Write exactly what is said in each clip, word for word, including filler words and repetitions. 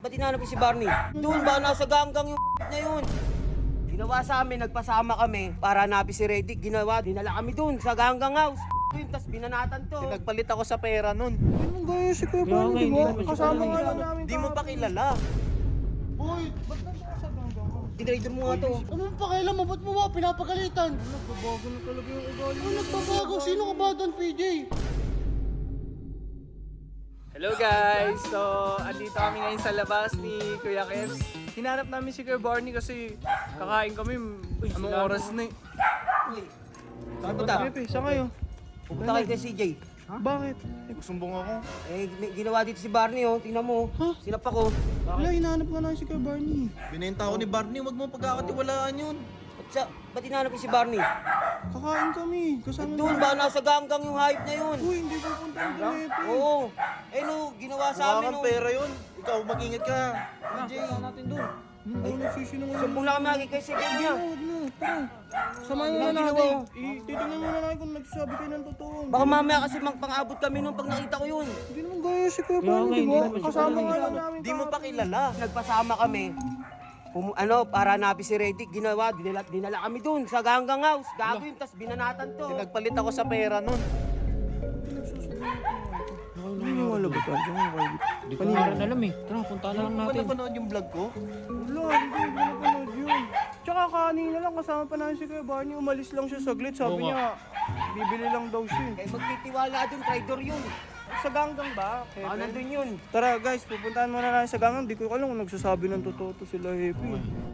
ba't hinanap si Barney? Doon ba, nasa ganggang yung na yun. Ginawa sa amin, nagpasama kami para hanapin si Reddick. Ginawa, dinala kami doon sa ganggang house. Yun, tas binanatan to. Nagpalit ako sa pera nun. Anong gaya si Kuya Barney, di ba? Kasama nga lang namin. Di mo pa kilala. Boy, ba't nandun ka sa ganggang house? Tinrader mo nga to. Anong pakialam mo? Ba't mo ba pinapagalitan? Nagbabago na talaga yung ugali. Ano nagbabago? Sino ka ba doon, P J? Hello guys! So, andito kami ngayon sa labas ni Kuya Ken. Hinanap namin si Kuya Barney kasi kakain kami. Anong oras na eh? Saan punta? Pepe, saan kayo? Pupunta kayo kay C J. Bakit? Eh, sumbong ako. Eh, may ginawa dito si Barney, oh. Tingnan mo. Huh? Sinapa ko. Wala, hinahanap nga namin si Kuya Barney. Binenta ako ni Barney, wag mo pagkakatiwalaan yun. Ba't, sa, ba't hinanap si Barney? Kakain kami. Kasama Doon ba, nasa ganggang yung hype na yun? Uy, hindi ko punta ang Pepe. Oo. Eh, no, ginawa sa Mukha amin, kang oh. pera yun. Ikaw, mag-ingat ka. D J. natin doon. Hindi ko nagsisinungaling. Sumbong lang kami lagi kay C J niya. Huwag na, tara. Samahan mo na Ano natin. ginawa? Eh, titignan mo na natin kung nagsasabi kayo ng totoo. Baka mamaya kasi magpang-abot kami nung pag nakita ko yun. Hindi naman gaya si Kuya Barney, di ba? Kasama nga lang namin. Di mo pa kilala. Nagpasama kami. Pum- ano, para hanapin si Reddick. Ginawa, dinala, dinala kami doon sa ganggang house. Gago yun, tas binanatan to. Nagpalit ako sa pera nun. Naniniwala ba tayo? Hindi ko nga rin alam eh. Tara, punta na lang Ano natin. napanood yung vlog ko? Wala, hindi ko napanood yun. Tsaka kanina lang, kasama pa namin si Kuya Barney, umalis lang siya saglit. Sabi niya, bibili lang daw siya. Kaya magtitiwala doon, traitor yun. Sa ganggang ba? Baka Hepe? nandun yun. Tara guys, pupuntahan muna natin sa ganggang. Di ko alam kung nagsasabi ng totoo to sila Hepe.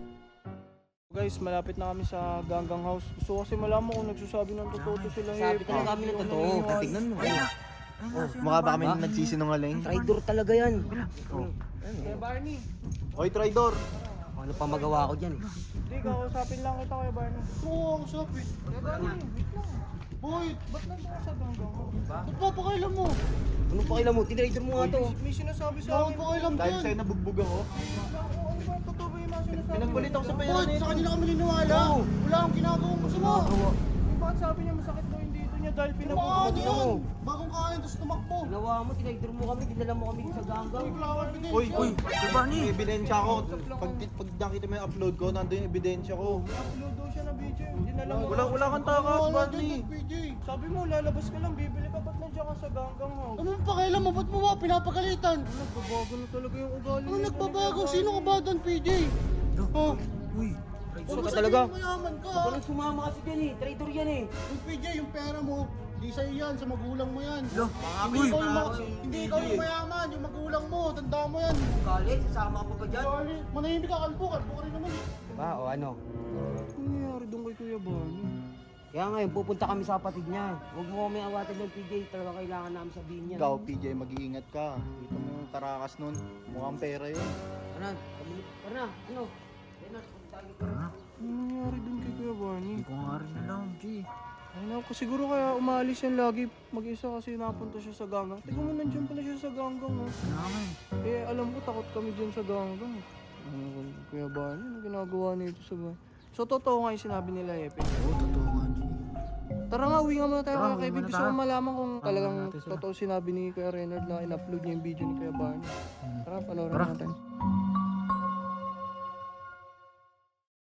Guys, malapit na kami sa ganggang house. Gusto ko kasi malaman kung nagsasabi ng totoo to sila Sabi Hepe. talaga kami ng totoo. Tignan mo. Oh, mukha ba kami nagsisinungaling? Traitor talaga yan. Kuya Barney, Oy, traidor! Ano pa magawa ko dyan eh. hindi, kakausapin lang kita Kuya Barney. Oo, kausapin. Kuya Barney, wait lang. Boy, ba't nandun ka sa ganggang house? Ba't pa pakailan mo? Ano pa kailan mo? Tinraitor mo nga to. May, may sinasabi sa akin. Bakit pakailan Dahil sa'yo nabugbog ako. Ano ba? Totoo ba yung mga sinasabi? Pinagpalit ako sa pera Boy, nito. sa kanila kami niniwala. Wala akong ginagawang masama. Bakit sabi niya masakit daw yung dito niya dahil pinabugod Ano niya? yun? Bagong kain, tapos tumakbo. Ginawa mo, tinraitor mo kami, dinala mo kami sa ganggang. Uy, uy, Barney! May ebidensya ko. Pag, pag nakita mo yung upload ko, nandun yung ebidensya ko. Upload daw siya na video. Hindi na lang. Wala, wala kang takas, Barney. Sabi mo, lalabas ka lang, bibili ka. Ba't nandiyan ka sa ganggang house? Anong pakialam mo? Ba't mo ba pinapagalitan? Nagbabago na talaga yung ugali. Ano nagbabago? Sino ka ba doon, P J? Oh. Uy, Traitor ka talaga. Mayaman ka. Parang sumama kasi dyan eh. Traitor yan eh. Yung P J, yung pera mo, di sa'yo yan, sa magulang mo yan. Hindi uy, ikaw yung, ma- mga- hindi ikaw yung mayaman, yung magulang mo, tanda mo yan. Galit, sasama ka pa ba dyan? Sorry, manahimik ka, kalbo, kalbo ka rin naman eh. Diba o ano? Ano nangyari doon kay Kuya Barney? Kaya ngayon, pupunta kami sa kapatid niya. Huwag mo kami awatin ng P J. Talaga kailangan namin sabihin yan. ikaw, P J, mag-iingat ka. Kita mo yung karakas nun. Mukhang pera yun. Ano? Kami- Tara na. Ano? Tara na. Punta tayo. Ano nangyari doon kay Kuya Barney? Hindi ko nga rin alam, G. Ay na, siguro kaya umalis yan lagi. Mag-isa kasi napunta siya sa ganggang. Tingnan mo, nandiyan pala siya sa ganggang. Oh. Naman. Eh, alam ko, takot kami dyan sa ganggang. Ano, Kuya Barney, ano ginagawa nito sa bahay? So, totoo nga yung sinabi nila, Epe. Oo, totoo nga, G. Tara nga, uwi nga muna tayo Tara, mga uwi kaibigan. muna Gusto ko tayo. malaman kung talagang natin sila. totoo sinabi ni Kuya Renard na in-upload niya yung video ni Kuya Barney. Tara, panoorin Tara. natin.